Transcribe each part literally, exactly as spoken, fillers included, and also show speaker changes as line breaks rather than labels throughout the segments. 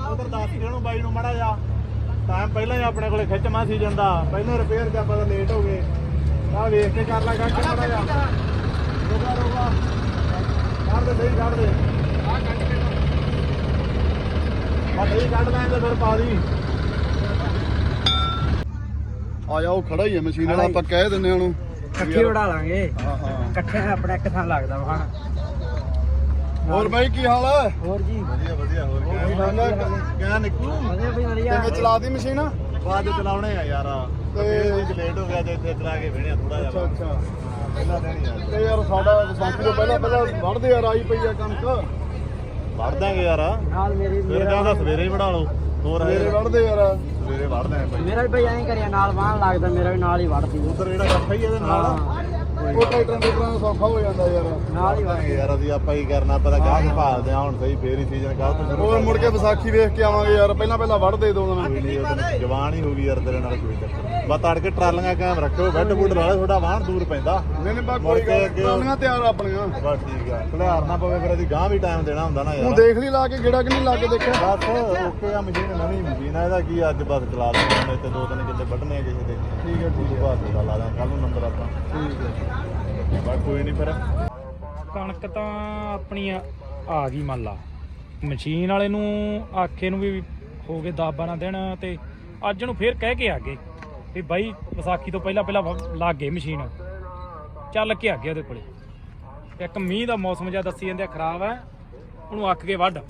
ਉਧਰ ਦੱਸ ਕੇ ਉਹਨੂੰ ਬਾਈ ਨੂੰ ਮਾੜਾ ਜਾ ਟਾਈਮ ਪਹਿਲਾਂ ਹੀ ਆਪਣੇ ਕੋਲੇ ਖਿੱਚਮਾ ਸੀ ਜਾਂਦਾ ਪਹਿਲਾਂ ਰਿਪੇਅਰ ਜਾਂ ਪਤਾ ਲੇਟ ਹੋ ਗਏ ਆ ਵੇਖ ਕੇ ਕਰ ਲਾ ਕੱਢ ਕੇ ਮਾੜਾ ਜਾ ਰੋਗਾ ਰੋਗਾ ਕੱਢ ਦੇ ਸਹੀ ਕੱਢ ਦੇ ਆ ਕੱਢ ਕੇ ਆ ਸਹੀ ਕੱਢ ਲੈਂਦੇ ਫਿਰ ਪਾ ਦੀ
ਆ ਜਾ ਉਹ ਖੜਾ ਹੀ ਹੈ ਮਸ਼ੀਨ ਵਾਲਾ ਆਪਾਂ ਕਹਿ ਦਿੰਨੇ ਉਹਨੂੰ
ਇਕੱਠੇ ਉਡਾ ਲਾਂਗੇ
ਹਾਂ ਹਾਂ
ਇਕੱਠੇ ਆਪਣਾ ਇੱਕ ਥਾਂ ਲੱਗਦਾ ਵਾ
ਹੋਰ ਬਾਈ ਕੀ ਹਾਲ ਹੈ
ਹੋਰ ਜੀ
ਵਧੀਆ ਵਧੀਆ ਹੋਰ ਕਿਆ ਨਿਕਲੂ
ਵਧੀਆ ਬਈ ਵਧੀਆ
ਕਿਵੇਂ ਚਲਾਦੀ ਮਸ਼ੀਨ
ਬਾਅਦ ਚਲਾਉਣੇ ਆ ਯਾਰ ਤੇ ਲੇਟ ਹੋ ਗਿਆ ਤੇ ਇੱਥੇ ਚਲਾ ਕੇ ਵੇਣਿਆ ਥੋੜਾ ਜਿਹਾ
ਅੱਛਾ ਅੱਛਾ
ਪਹਿਲਾਂ ਦੇਣੀ ਯਾਰ
ਤੇ ਯਾਰ ਸਾਡਾ ਵਿਸਾਖੀ ਤੋਂ ਪਹਿਲਾਂ ਪਹਿਲਾਂ ਵੜਦੇ ਯਾਰ ਆਈ ਪਈ ਆ ਕਣਕ
ਵੜ ਦਾਂਗੇ ਯਾਰ
ਨਾਲ ਮੇਰੀ
ਫਿਰ ਜਾਂਦਾ ਸਵੇਰੇ ਹੀ ਵੜਾ ਲਓ ਹੋਰ
ਮੇਰੇ ਵੜਦੇ ਯਾਰ
ਸਵੇਰੇ ਵੜ ਦਾਂਗੇ ਭਾਈ
ਮੇਰਾ ਵੀ ਬਈ ਐਂ ਕਰਿਆ ਨਾਲ ਵਾਹਣ ਲੱਗਦਾ ਮੇਰਾ ਵੀ ਨਾਲ ਹੀ ਵੜਦੀ
ਉਧਰ ਜਿਹੜਾ ਇਕੱਠਾ ਹੀ ਇਹਦੇ ਨਾਲ
ਉਹ ਟਰੈਕਟਰਾਂ ਦੇ ਤਰ੍ਹਾਂ ਸੌਖਾ ਹੋ ਜਾਂਦਾ ਯਾਰ
ਨਾਲ ਹੀ ਵੜਦੀ
ਯਾਰ ਅਸੀਂ ਆਪਾਂ ਹੀ ਕਰਨਾ ਪਤਾ ਗਾਹਕ ਭਾਲਦੇ ਆ ਹੁਣ ਸਹੀ ਫੇਰ ਹੀ ਸੀਜ਼ਨ ਕਾਹ ਤੋਂ ਸ਼ੁਰੂ
ਹੋਰ ਮੁੜ ਕੇ ਵਿਸਾਖੀ ਵੇਖ ਕੇ ਆਵਾਂਗੇ ਯਾਰ ਪਹਿਲਾਂ ਪਹਿਲਾਂ ਵੜਦੇ ਦੋ ਦਿਨ
ਕੋਈ ਨਹੀਂ ਉਹ ਜਵਾਨ ਹੀ ਹੋ ਗਈ ਯਾਰ ਤੇਰੇ ਨਾਲ ਕੋਈ ਚੱਕਰ ਬਸ ਤੜ ਕੇ ਟਰਾਲੀਆਂ ਕਾਇਮ ਰੱਖਿਓ ਬੈੱਡ ਬੁੱਡ ਵਾਲਾ ਥੋੜਾ ਵਾਹਣ ਦੂਰ ਪੈਂਦਾ
ਨਹੀਂ ਨਹੀਂ ਬਾ ਕੋਈ ਗੱਲ ਟਰਾਲੀਆਂ ਤਿਆਰ ਆਪਣੀਆਂ
ਬਸ ਠੀਕ ਆ ਖਲਿਆਰ ਨਾ ਪਵੇ ਫਿਰ ਅਸੀਂ ਗਾਂ ਵੀ ਟਾਈਮ ਦੇਣਾ ਹੁੰਦਾ ਨਾ
ਤੂੰ
ਯਾਰ
ਦੇਖ ਲਈ ਲਾ ਕੇ ਗੇੜਾ ਕਿ ਨਹੀਂ ਲਾ ਕੇ ਦੇਖਿਆ
ਬਸ ਓਕੇ ਆ ਮਸ਼ੀਨ ਨਵੀਂ ਮਸ਼ੀਨ ਆ ਇਹਦਾ ਕੀ ਅੱਜ ਬਸ ਚਲਾ ਦਿੰਦੇ ਇੱਥੇ ਦੋ ਤਿੰਨ ਕਿੱਲੇ ਵੱਢਣੇ ਆ ਕਿਸੇ ਦੇ
ਠੀਕ ਹੈ ਠੀਕ ਹੈ
ਬਾਅਦ ਦਾ ਲਾ ਦਾਂ ਕੱਲ ਨੂੰ ਨੰਬਰ ਆਪਾਂ
ਠੀਕ ਹੈ
ਬਸ ਕੋਈ ਨਹੀਂ ਫਿਰ
ਕਣਕ ਤਾਂ ਆਪਣੀ ਆ ਆ ਗਈ ਮੰਨ ਲਾ ਮਸ਼ੀਨ ਵਾਲੇ ਨੂੰ ਆਖੇ ਨੂੰ ਵੀ ਹੋ ਗਏ ਦਸ ਬਾਰਾਂ ਦਿਨ ਤੇ ਅੱਜ ਨੂੰ ਫੇਰ ਕਹਿ ਕੇ ਆ ਗਏ ਵੀ ਬਾਈ ਵਿਸਾਖੀ ਤੋਂ ਪਹਿਲਾਂ ਪਹਿਲਾਂ ਵ- ਲੱਗ ਗਏ ਮਸ਼ੀਨ ਚੱਲ ਕੇ ਆ ਗਿਆ ਉਹਦੇ ਕੋਲੇ ਇੱਕ ਮੀਂਹ ਦਾ ਮੌਸਮ ਜਿਹਾ ਦੱਸੀ ਜਾਂਦੇ ਆ ਖਰਾਬ ਹੈ ਉਹਨੂੰ ਅੱਕ ਕੇ ਵੱਢ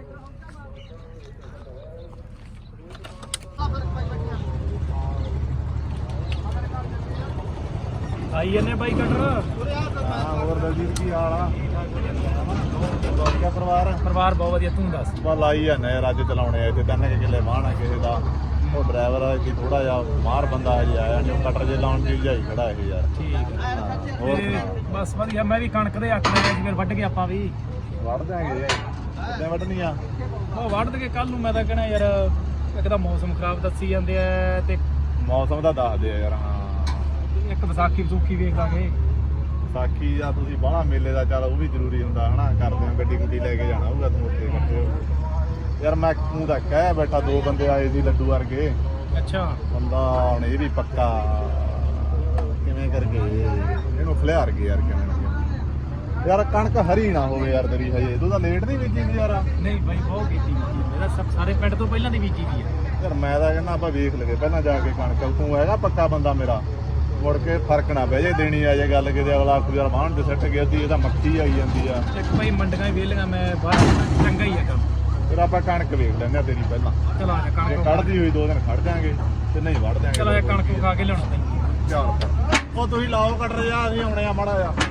ਆਈ ਇਹਨੇ ਬਾਈ ਕਟਰ
ਹਾਂ ਹੋਰ ਦਲਜੀਤ ਕੀ ਹਾਲ ਆ ਵਧੀਆ ਪਰਿਵਾਰ
ਪਰਿਵਾਰ ਬਹੁਤ ਵਧੀਆ ਤੂੰ ਦੱਸ
ਬਸ ਲਾਈ ਜਾਂਦੇ ਯਾਰ ਅੱਜ ਚਲਾਉਣੇ ਆ ਇੱਥੇ ਤਿੰਨ ਕੁ ਕਿੱਲੇ ਵਾਹਣ ਆ ਕਿਸੇ ਦਾ ਉਹ ਡਰਾਈਵਰ ਆ ਕਿ ਥੋੜਾ ਜਿਹਾ ਮਾਰ ਬੰਦਾ ਹਜੇ ਆਇਆ ਨਹੀਂ ਕਟਰ ਜੇ ਲਾਉਣ ਦੀ ਜਾਈ ਖੜਾ ਇਹ ਯਾਰ
ਠੀਕ ਹੈ
ਹੋਰ
ਤੇ
ਸੁਣਾ
ਬਸ ਵਧੀਆ ਮੈਂ ਵੀ ਕਣਕ ਦੇ ਅੱਖ ਦੇ ਵਿੱਚ ਫਿਰ ਵੱਢ ਕੇ ਆਪਾਂ ਵੀ
ਵੜ ਦਿਆਂਗੇ ਕਿੱਦਾਂ ਵੱਢਣੀ ਆ
ਉਹ ਵੱਢ ਕੇ ਕੱਲ ਨੂੰ ਮੈਂ ਤਾਂ ਕਹਿਣਾ ਯਾਰ ਇੱਕ ਤਾਂ ਮੌਸਮ ਖਰਾਬ ਦੱਸੀ ਜਾਂਦੇ ਆ ਤੇ
ਮੌਸਮ ਦਾ ਦੱਸਦੇ ਆ ਯਾਰ ਹਾਂ
ਇੱਕ ਵਿਸਾਖੀ ਵਿਸੂਖੀ ਵੇਖ ਲਾਂਗੇ
ਸਾਖੀ ਜਾਂ ਤੁਸੀਂ ਬਾਹਲਾ ਮੇਲੇ ਦਾ ਚੱਲ ਉਹ ਵੀ ਜ਼ਰੂਰੀ ਹੁੰਦਾ ਹਨਾ ਕਰਦੇ ਹੋ ਗੱਡੀ ਗੁੱਡੀ ਲੈ ਕੇ ਜਾਣਾ ਹੋਊਗਾ ਤੂੰ ਉੱਥੇ ਇਕੱਠੇ ਹੋ ਯਾਰ ਮੈਂ ਤੂੰ ਤਾਂ ਕਹਿ ਬੈਠਾ ਦੋ ਬੰਦੇ ਆਏ ਸੀ ਲੱਡੂ ਵਰਗੇ
ਅੱਛਾ
ਬੰਦਾ ਹੁਣ ਇਹ ਵੀ ਪੱਕਾ ਕਿਵੇਂ ਕਰਕੇ ਇਹਨੂੰ ਖਲਿਆਰ ਗਏ ਯਾਰ ਕਿਵੇਂ ਨਾ ਕਿਵੇਂ। ਯਾਰ ਕਣਕ ਹਰੀ ਨਾ ਹੋਵੇ ਯਾਰ ਤੇਰੀ ਹਜੇ ਤੂੰ ਤਾਂ ਲੇਟ ਨਹੀਂ ਬੀਜੀ ਸੀ ਯਾਰ
ਨਹੀਂ ਬਾਈ ਬਹੁਤ ਕੀਤੀ ਬੀਜੀ ਮੇਰਾ ਸਭ ਸਾਰੇ ਪਿੰਡ ਤੋਂ ਪਹਿਲਾਂ ਦੀ ਬੀਜੀ ਵੀ ਆ
ਯਾਰ ਮੈਂ ਤਾਂ ਕਹਿੰਦਾ ਆਪਾਂ ਵੇਖ ਲਗੇ ਪਹਿਲਾਂ ਜਾ ਕੇ ਕਣਕ ਤੂੰ ਹੈਗਾ ਪੱਕਾ ਬੰਦਾ ਮੇਰਾ ਮੁੜ ਕੇ ਫਰਕ ਨਾ ਬਹਿ ਜੇ ਦੇਣੀ ਆ ਜੇ ਗੱਲ ਕਿਤੇ ਅਗਲਾ ਆਖੂ ਯਾਰ ਵਾਹਣ ਤੇ ਸਿੱਟ ਗਿਆ ਸੀ ਇਹਦਾ ਮੱਖੀ ਆਈ ਜਾਂਦੀ ਆ
ਇੱਕ ਬਾਈ ਮੰਡੀਆਂ ਹੀ ਵੇਲੀਆਂ ਮੈਂ ਬਾਹਰ ਚੰਗਾ ਹੀ ਆ ਕੰਮ
ਫਿਰ ਆਪਾਂ ਕਣਕ ਵੇਖ ਲੈਂਦੇ ਆ ਤੇਰੀ ਪਹਿਲਾਂ
ਚਲੋ ਆ
ਜੇ
ਕਣਕ
ਕੱਢਦੀ ਹੋਈ ਦੋ ਦਿਨ ਖੜ ਜਾਾਂਗੇ ਤੇ ਨਹੀਂ ਵੜ ਜਾਾਂਗੇ
ਚਲੋ ਇਹ ਕਣਕ ਖਾ ਕੇ ਲਿਆਉਣਾ ਪੈਂਦੀ
ਚੱਲ ਉਹ ਤੁਸੀਂ ਲਾਓ ਕੱਟਰ ਜਾ ਅਸੀਂ ਆਉਣੇ ਆ ਮਾੜਾ ਜਾ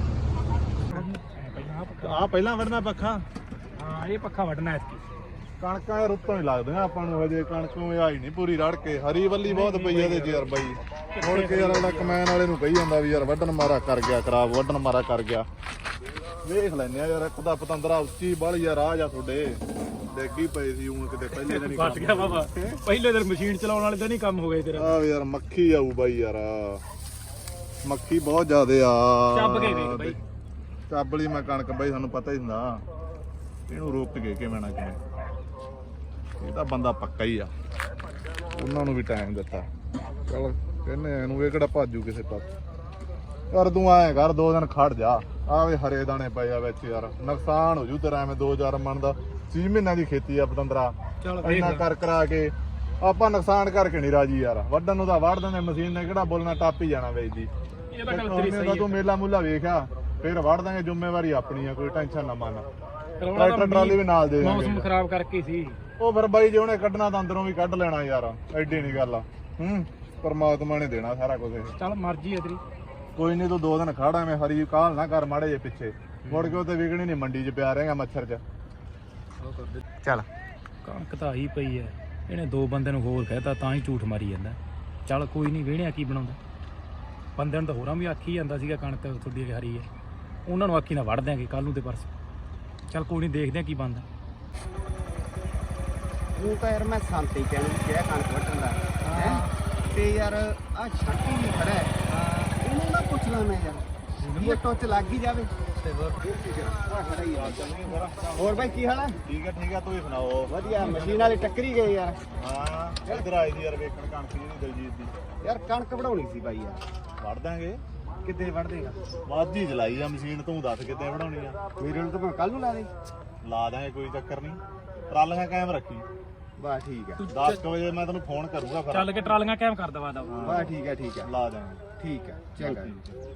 ਆ ਪਹਿਲਾਂ ਵੜਨਾ ਪੱਖਾ
ਹਾਂ ਇਹ ਪੱਖਾ ਵੱਢਣਾ ਐਤਕੀ
ਕਣਕਾਂ ਇਹ ਰੁੱਤੋਂ ਹੀ ਲੱਗਦੀਆਂ ਆਪਾਂ ਨੂੰ ਹਜੇ ਕਣਕੋਂ ਆਈ ਨਹੀਂ ਪੂਰੀ ਰੜ ਕੇ ਹਰੀ ਵੱਲੀ ਬਹੁਤ ਪਈ ਇਹਦੇ ਚ ਯਾਰ ਬਾਈ ਮੁੜ ਕੇ ਯਾਰ ਅਗਲਾ ਕਮੈਨ ਵਾਲੇ ਨੂੰ ਕਹੀ ਜਾਂਦਾ ਵੀ ਯਾਰ ਵੱਢਣ ਮਾਰਾ ਕਰ ਗਿਆ ਖਰਾਬ ਵੱਢਣ ਮਾਰਾ ਕਰ ਗਿਆ ਵੇਖ ਲੈਨੇ ਆ ਯਾਰ ਇੱਕ ਦਾ ਪਤੰਦਰਾ ਉੱਚੀ ਬਾਹਲੀ ਯਾਰ ਆ ਜਾ ਤੁਹਾਡੇ ਡੇਗੀ ਪਏ ਸੀ ਉਹ ਕਿਤੇ ਪਹਿਲੇ ਦਿਨ ਹੀ
ਫਟ ਗਿਆ ਬਾਬਾ ਪਹਿਲੇ ਦਿਨ ਮਸ਼ੀਨ ਚਲਾਉਣ ਵਾਲੇ ਤਾਂ ਨਹੀਂ ਕੰਮ ਹੋ ਗਿਆ ਤੇਰਾ
ਆ ਯਾਰ ਮੱਖੀ ਆਊ ਬਾਈ ਯਾਰ ਮੱਖੀ ਬਹੁਤ ਜ਼ਿਆਦੇ ਆ
ਚੱਬ ਕੇ ਵੇਖ ਬਾਈ
ਚੱਬ ਲਈ ਮੈਂ ਕਣਕ ਬਾਈ ਸਾਨੂੰ ਪਤਾ ਹੀ ਹੁੰਦਾ ਇਹਨੂੰ ਰੋਕ ਕੇ ਕਿਵੇਂ ਨਾ ਕਿਵੇਂ ਇਹ ਤਾਂ ਬੰਦਾ ਪੱਕਾ ਹੀ ਆ ਉਹਨਾਂ ਨੂੰ ਵੀ ਟਾਈਮ ਦਿੱਤਾ ਚਲ ਕਹਿੰਦੇ ਇਹਨੂੰ ਇਹ ਕਿਹੜਾ ਭਾਜੂ ਕਿਸੇ ਪਾਸੇ ਯਾਰ ਤੂੰ ਆਏ ਕਰ ਦੋ ਦਿਨ ਖੜ ਜਾ ਆਵੇ ਹਰੇ ਦਾਣੇ ਪਏ ਆ ਵਿੱਚ ਯਾਰ ਨੁਕਸਾਨ ਹੋ ਜੂ ਤੇਰਾ ਐਵੇਂ ਦੋ ਚਾਰ ਮਣ ਦਾ ਛੇ ਮਹੀਨਿਆਂ ਦੀ ਖੇਤੀ ਆ ਪਤੰਦਰਾ ਇੰਨਾ ਕਰ ਕਰਾ ਕੇ ਆਪਾਂ ਨੁਕਸਾਨ ਕਰਕੇ ਨਹੀਂ ਰਾਜੀ ਯਾਰ ਵੱਢਣ ਨੂੰ ਤਾਂ ਵੱਢ ਦਿੰਦੇ ਮਸ਼ੀਨ ਨੇ ਕਿਹੜਾ ਬੋਲਣਾ ਟੱਪ ਹੀ ਜਾਣਾ ਵੇਚਦੀ
ਇਹ ਤਾਂ ਗੱਲ ਤੇਰੀ ਸਹੀ
ਤੂੰ ਮੇਲਾ ਮੂਲਾ ਵੇਖਿਆ ਫਿਰ ਵੱਢ ਦਾਂਗੇ ਜ਼ਿੰਮੇਵਾਰੀ ਆਪਣੀ ਆ ਕੋਈ ਟੈਨਸ਼ਨ ਨਾ ਮੰਨ
ਕਰਵਾਉਣਾ
ਟਰੈਕਟਰ
ਤਾਂ
ਟਰਾਲੀ ਵੀ ਨਾਲ ਦੇ
ਮੌਸਮ
ਦਾਂਗੇ
ਖਰਾਬ ਕਰਕੇ ਸੀ
ਉਹ ਫਿਰ ਬਾਈ ਜੇ ਉਹਨੇ ਕੱਢਣਾ ਤਾਂ ਅੰਦਰੋਂ ਵੀ ਕੱਢ ਲੈਣਾ ਯਾਰ ਐਡੀ ਨਹੀਂ ਗੱਲ ਆ ਹੂੰ ਪਰਮਾਤਮਾ ਨੇ ਦੇਣਾ ਸਾਰਾ ਕੁਝ
ਚੱਲ ਮਰਜ਼ੀ ਹੈ ਤੇਰੀ
ਕੋਈ ਨਹੀਂ ਤੂੰ ਦੋ ਦਿਨ ਖੜਾ ਐਵੇਂ ਹਰੀ ਕਾਲ ਨਾ ਕਰ ਮਾੜੇ ਜੇ ਪਿੱਛੇ ਮੁੜ ਕੇ ਉੱਤੇ ਵਿਕਣੀ ਨਹੀਂ ਮੰਡੀ 'ਚ ਪਿਆ ਰਹੇਗਾ ਮੱਛਰ 'ਚ
ਚੱਲ
ਕਣਕ ਤਾਂ ਆਈ ਪਈ ਐ ਇਹਨੇ ਦੋ ਬੰਦੇ ਨੂੰ ਹੋਰ ਕਹਿਤਾ ਤਾਂ ਹੀ ਝੂਠ ਮਾਰੀ ਜਾਂਦਾ ਚੱਲ ਕੋਈ ਨਹੀਂ ਵੇਹਣਿਆ ਕੀ ਬਣਾਉਂਦਾ ਬੰਦੇ ਨੂੰ ਤਾਂ ਹੋਰਾਂ ਵੀ ਆਖੀ ਜਾਂਦਾ ਸੀਗਾ ਕਣਕ ਤੁਹਾਡੀ ਹਰੀ ਐ ਉਹਨਾਂ ਨੂੰ ਆਖੀ ਨਾ ਵੜ ਦਿਆਂਗੇ ਕੱਲ ਨੂੰ ਤੇ ਪਰਸੋਂ ਚੱਲ ਕੋਈ ਨਹੀਂ ਦੇਖਦੇ ਆ ਕੀ ਬਣਦਾ
ਉਹ ਤਾਂ ਯਾਰ ਮੈਂ ਸੰਤੇ ਕਹਿਣ ਕਿਹਾ ਕਣਕ ਵੱਢਣ ਦਾ ਹੈ ਤੇ ਯਾਰ ਆ ਛਾਟੀ ਵੀ ਖੜਾ ਹੈ ਇਹਨੂੰ ਨਾ ਪੁੱਛ ਲਾ ਮੈਂ ਯਾਰ ਇਹ ਟੁੱਚ ਲੱਗ ਹੀ ਜਾਵੇ ਹੋਰ ਬਾਈ ਕੀ ਹਾਲ ਹੈ?
ਠੀਕ ਹੈ ਠੀਕ ਹੈ, ਤੁਸੀਂ ਸੁਣਾਓ?
ਵਧੀਆ। ਮਸ਼ੀਨ ਵਾਲੀ ਟੱਕਰੀ ਗਏ ਯਾਰ।
ਹਾਂ ਇਧਰ ਆਈ ਦੀ ਯਾਰ ਵੇਖਣ ਕਣਕ ਜਿਹੜੀ ਦਲਜੀਤ ਦੀ।
ਯਾਰ ਕਣਕ ਵਢਾਉਣੀ ਸੀ ਬਾਈ ਯਾਰ।
ਵੜ ਦਾਂਗੇ।
ਕਿੱਦੇ ਵਢ ਦੇਗਾ?
ਵਾਧੀ ਚਲਾਈ ਆ ਮਸ਼ੀਨ, ਤੂੰ ਦੱਸ ਕਿੱਦਾਂ ਬਣਾਉਣੀ ਆ?
ਮੇਰੇ ਨੂੰ ਤਾਂ ਮੈਂ ਕੱਲ ਨੂੰ ਲਾ ਦੇ।
ਲਾ ਦਾਂਗੇ, ਕੋਈ ਚੱਕਰ ਨਹੀਂ। ਟਰਾਲੀਆਂ ਕਾਇਮ ਰੱਖੀ।
ਬਸ ਠੀਕ ਹੈ।
ਦਸ ਕੁ ਵਜੇ ਮੈਂ ਤੈਨੂੰ ਫੋਨ ਕਰੂੰਗਾ ਫਿਰ।
ਚੱਲ ਕੇ ਟਰਾਲੀਆਂ ਕਾਇਮ ਕਰ ਦਵਾ ਦਵਾ।
ਬਸ ਠੀਕ ਹੈ ਠੀਕ ਹੈ
ਲਾ ਦਾਂਗੇ।
ਠੀਕ ਹੈ ਚੰਗਾ।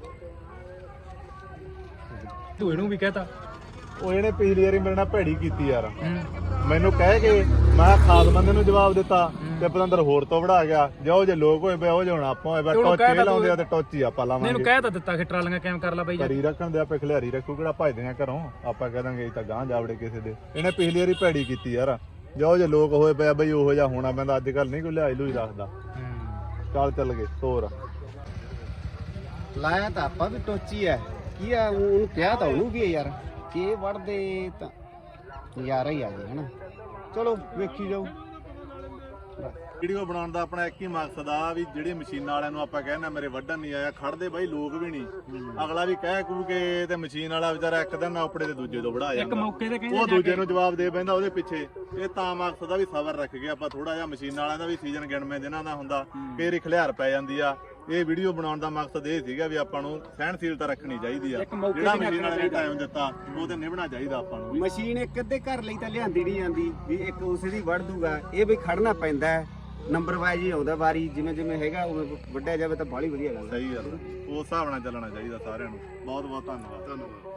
ਤੂੰ ਇਹਨੂੰ ਵੀ ਕਹਤਾ।
ਉਹ ਇਹਨੇ ਪਿਛਲੀ ਵਾਰੀ ਮੇਰੇ ਨਾਲ ਭੈੜੀ ਕੀਤੀ ਯਾਰ। ਮੈਨੂੰ ਕਹਿ ਕੇ ਮੈਂ ਖਾਦ ਬੰਦੇ ਨੂੰ ਜਵਾਬ ਦਿੱਤਾ ਤੇ ਪਤੰਦਰ ਹੋਰ ਤੋਂ ਵੜਾ ਗਿਆ। ਜੋ ਜੇ ਲੋਕ ਹੋਏ ਪਏ ਉਹ ਜੇ ਹੁਣ ਆਪਾਂ ਹੋਏ ਪਏ ਟੋਚੇ ਲਾਉਂਦੇ ਆ ਤੇ ਟੋਚੀ ਆਪਾਂ ਲਾਵਾਂਗੇ।
ਇਹਨੂੰ ਕਹਿ ਤਾਂ ਦਿੱਤਾ ਕਿ ਟਰਾਲੀਆਂ ਕਾਇਮ ਕਰ ਲਾ ਬਾਈ।
ਕਰੀ ਰੱਖਣ ਦੇ ਆਪੇ ਖਿਲਾਰੀ ਰੱਖੂ, ਕਿਹੜਾ ਭਜਦੇ ਆ ਘਰੋਂ। ਆਪਾਂ ਕਹਿ ਦਾਂਗੇ ਤਾਂ ਗਾਂ ਜਾਵੜੇ ਕਿਸੇ ਦੇ। ਇਹਨੇ ਪਿਛਲੀ ਵਾਰੀ ਭੈੜੀ ਕੀਤੀ ਯਾਰ। ਜੋ ਜੇ ਲੋਕ ਹੋਏ ਪਏ ਬਈ ਉਹੋ ਜਿਹਾ ਹੋਣਾ ਪੈਂਦਾ। ਅੱਜ ਕੱਲ ਨਹੀਂ ਕੋਈ ਲਿਹਾਈ ਲੂਈ ਰੱਖਦਾ। ਚੱਲ ਚੱਲ ਗਏ ਹੋਰ।
ਲਾਇਆ ਤਾਂ ਆਪਾਂ ਵੀ ਟੋਚੀ ਐ। ਕੀ ਆ ਉਹਨੂੰ ਕਿਹਾ ਤਾਂ ਉਹਨੂੰ ਵੀ ਯਾਰ ਕਿ ਵੜਦੇ ਤਾਂ ਨਜ਼ਾਰਾ ਹੀ ਆ ਜੇ ਹਨਾ। ਚਲੋ ਵੇਖੀ ਜਾਓ।
ਵੀਡੀਓ ਬਣਾਉਣ ਦਾ ਆਪਣਾ ਇੱਕ ਹੀ ਮਕਸਦ ਆ ਵੀ ਜਿਹੜੇ ਮਸ਼ੀਨਾਂ ਵਾਲਿਆਂ ਨੂੰ ਆਪਾਂ ਕਹਿੰਦੇ ਮੇਰੇ ਵੱਢਣ ਨਹੀਂ ਆਇਆ, ਖੜਦੇ ਬਾਈ ਲੋਕ ਵੀ ਨਹੀਂ। ਅਗਲਾ ਵੀ ਕਹਿ ਕੂ ਕੇ ਤੇ ਮਸ਼ੀਨ ਵਾਲਾ ਵਿਚਾਰਾ ਇੱਕ ਦਿਨ ਆਪੜੇ ਤੇ ਦੂਜੇ ਤੋਂ ਵੜਾ
ਇੱਕ
ਜਾਂਦਾ।
ਮੌਕੇ ਤੇ ਕਹਿੰਦੇ
ਉਹ ਦੂਜੇ ਨੂੰ ਜਵਾਬ ਦੇ ਪੈਂਦਾ ਉਹਦੇ ਪਿੱਛੇ। ਇਹ ਤਾਂ ਮਕਸਦ ਆ ਵੀ ਸਬਰ ਰੱਖ ਕੇ ਆਪਾਂ ਥੋੜਾ ਜਿਹਾ ਮਸ਼ੀਨਾਂ ਵਾਲਿਆਂ ਦਾ ਵੀ ਸੀਜ਼ਨ ਗਿਣਵੇਂ ਦਿਨਾਂ ਦਾ ਹੁੰਦਾ, ਫੇਰ ਹੀ ਖਲਿਆਰ ਪੈ ਜਾਂਦੀ ਆ। ਇਹ ਵੀਡੀਓ ਬਣਾਉਣ ਦਾ ਮਕਸਦ ਇਹ ਸੀਗਾ ਵੀ ਆਪਾਂ ਨੂੰ ਸਹਿਣਸ਼ੀਲਤਾ ਰੱਖਣੀ ਚਾਹੀਦੀ ਆ। ਜਿਹੜਾ ਮਸ਼ੀਨ ਵਾਲੇ ਨੇ ਟਾਈਮ ਦਿੱਤਾ ਉਹ ਤੇ ਨਿਭਣਾ ਚਾਹੀਦਾ ਆਪਾਂ ਨੂੰ।
ਮਸ਼ੀਨ ਇੱਕ ਅੱਧੇ ਘਰ ਲਈ ਤਾਂ ਲਿਆਂਦੀ ਨਹੀਂ ਜਾਂਦੀ ਵੀ ਇੱਕ ਉਸੇ ਦੀ ਵੜ ਦੂਗਾ। ਇਹ ਵੀ ਖੜਨਾ ਪੈਂਦਾ ਹੈ, ਨੰਬਰ ਵਾਈਜ਼ ਹੀ ਆਉਂਦਾ ਵਾਰੀ। ਜਿਵੇਂ ਜਿਵੇਂ ਹੈਗਾ ਉਵੇਂ ਵੱਢਿਆ ਜਾਵੇ ਤਾਂ ਬਾਹਲੀ ਵਧੀਆ ਗੱਲ ਹੈ।
ਸਹੀ ਗੱਲ, ਉਸ ਹਿਸਾਬ ਨਾਲ ਚੱਲਣਾ ਚਾਹੀਦਾ ਸਾਰਿਆਂ ਨੂੰ। ਬਹੁਤ ਬਹੁਤ ਧੰਨਵਾਦ। ਧੰਨਵਾਦ।